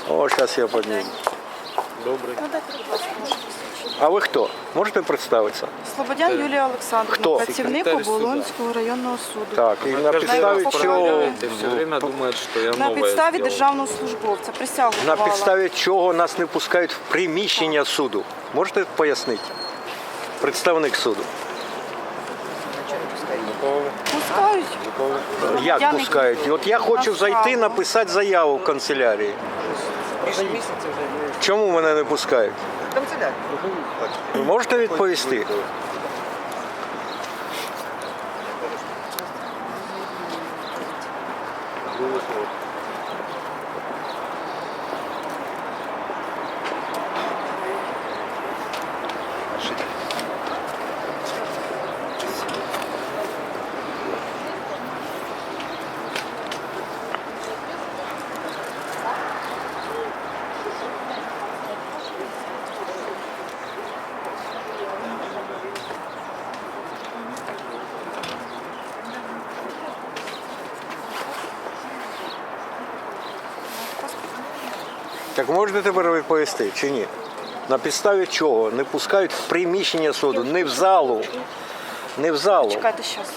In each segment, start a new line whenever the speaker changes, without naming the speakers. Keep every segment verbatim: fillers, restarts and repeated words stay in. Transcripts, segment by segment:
О, зараз я підніму.
Добрий.
А ви хто? Можете представитися?
Слободян Юлія Олександрівна,
Хто?
працівник
Секретар
Оболонського районного суду.
Так, і на підставі
Найвисокої
чого,
ради.
Все время думает, что я
На
новое
підставі
сделал.
державного службовця присягу
на
давала.
підставі чого нас не пускають в приміщення суду? Можете пояснити? Представник суду.
Пускають.
Як
Я не-
пускають? От я хочу
На
зайти,
справу.
написати заяву в канцелярії. Чому мене не пускають? Ви можете відповісти? Так можете тепер відповісти чи ні? На підставі чого не пускають в приміщення суду, не в залу, не в залу.
Чекайте щас.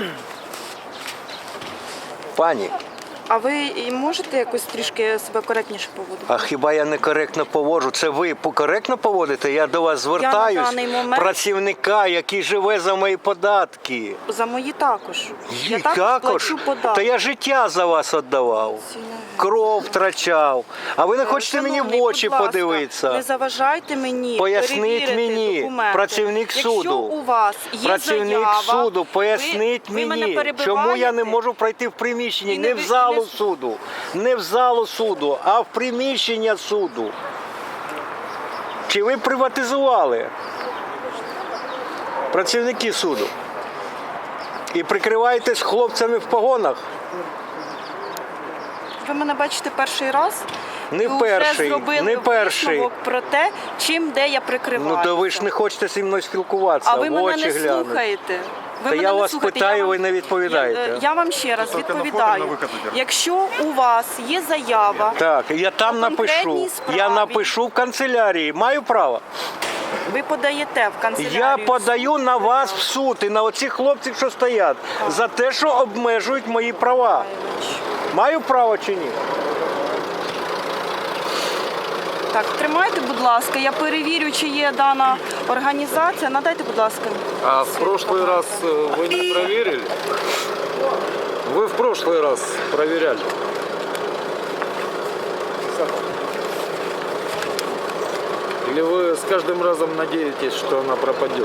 Пані,
А ви і можете якось трішки себе коректніше поводити?
а хіба я некоректно поводжу? Це ви коректно поводите? Я до вас звертаюсь,
даний момент-
працівника, який живе за мої податки.
За мої також. Я
І
також плачу податки.
Та я життя за вас віддавав. Кров втрачав. А ви не хочете мені в
Шановний,
очі
будь ласка,
подивитися?
Не заважайте мені
Поясніть
перевірити
мені,
документи.
працівник
Якщо
суду.
у вас є
Працівник
заява,
суду, поясніть
ви, ви мене
мені,
перебиваєте?
чому я не можу пройти в приміщення,
І
не
не
в
ви-
залу
не-
суду, не в залу суду, а в приміщення суду. Чи ви приватизували працівники суду? І прикриваєтесь хлопцями в погонах?
Ви мене бачите перший раз?
Не
і вже
перший,
зробили
не перший.
висновок про те, чим де я прикриваюся.
Ну то ви ж не хочете зі мною спілкуватися,
А ви
в
мене
очі
не
глянути.
слухаєте. Ви
Та
мене
я
не
вас
слухаєте.
питаю,
Я
ви
вам-
не відповідаєте.
Я, я вам ще раз відповідаю. Якщо у вас є заява,
Так, я там
По
напишу.
конкретній справі.
Я напишу в канцелярії. Маю право?
ви подаєте в канцелярію.
Я подаю на вас в суд і на оцих хлопців, що стоять, за те, що обмежують мої права. Маю право чи ні?
Так, тримайте, будь ласка, я перевірю, чи є дана організація. Надайте, будь ласка.
А в прошлый раз э, вы не проверили? Вы в прошлый раз проверяли. Или вы с каждым разом надеетесь, что она пропадет?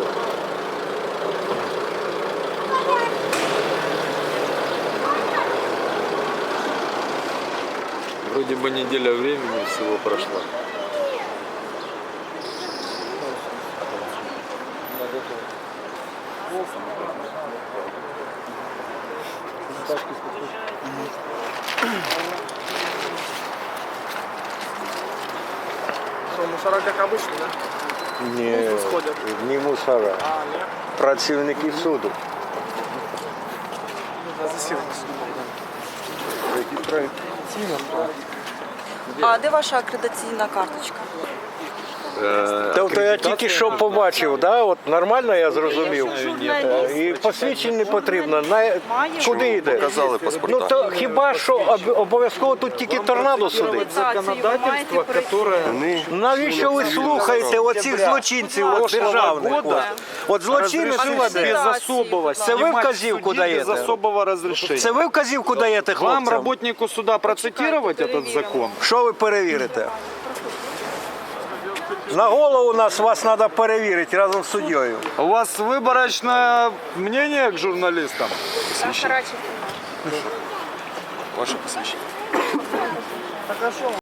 Вроде бы неделя времени всего прошла.
Что, мусора как обычно, да?
Ні,
сходять.
ні мусора.
А, нет.
Працівники суду.
На засилку.
А де ваша акредитаційна карточка?
Тобто я тільки що побачив, да? От нормально я зрозумів.
Журналіст.
І посвідчень не потрібно. На... Куди йде?
Показали паспорта.
Ну то хіба що об- обов'язково тут тільки торнадо сидить?
Законодательство, которое...
Навіщо ви слухаєте оцих злочинців от державних?
года
От злочинець
Без
без особого
Це ви
снимать
вказівку
судьи без
даєте?
особого разрешения.
Це ви вказівку даєте
Вам,
хлопцям?
работнику суда, процитировать этот закон?
Що ви перевірите? На голову нас вас треба перевірити разом з суддєю.
У вас выборочное мнение к журналистам?
Ваше посвящение.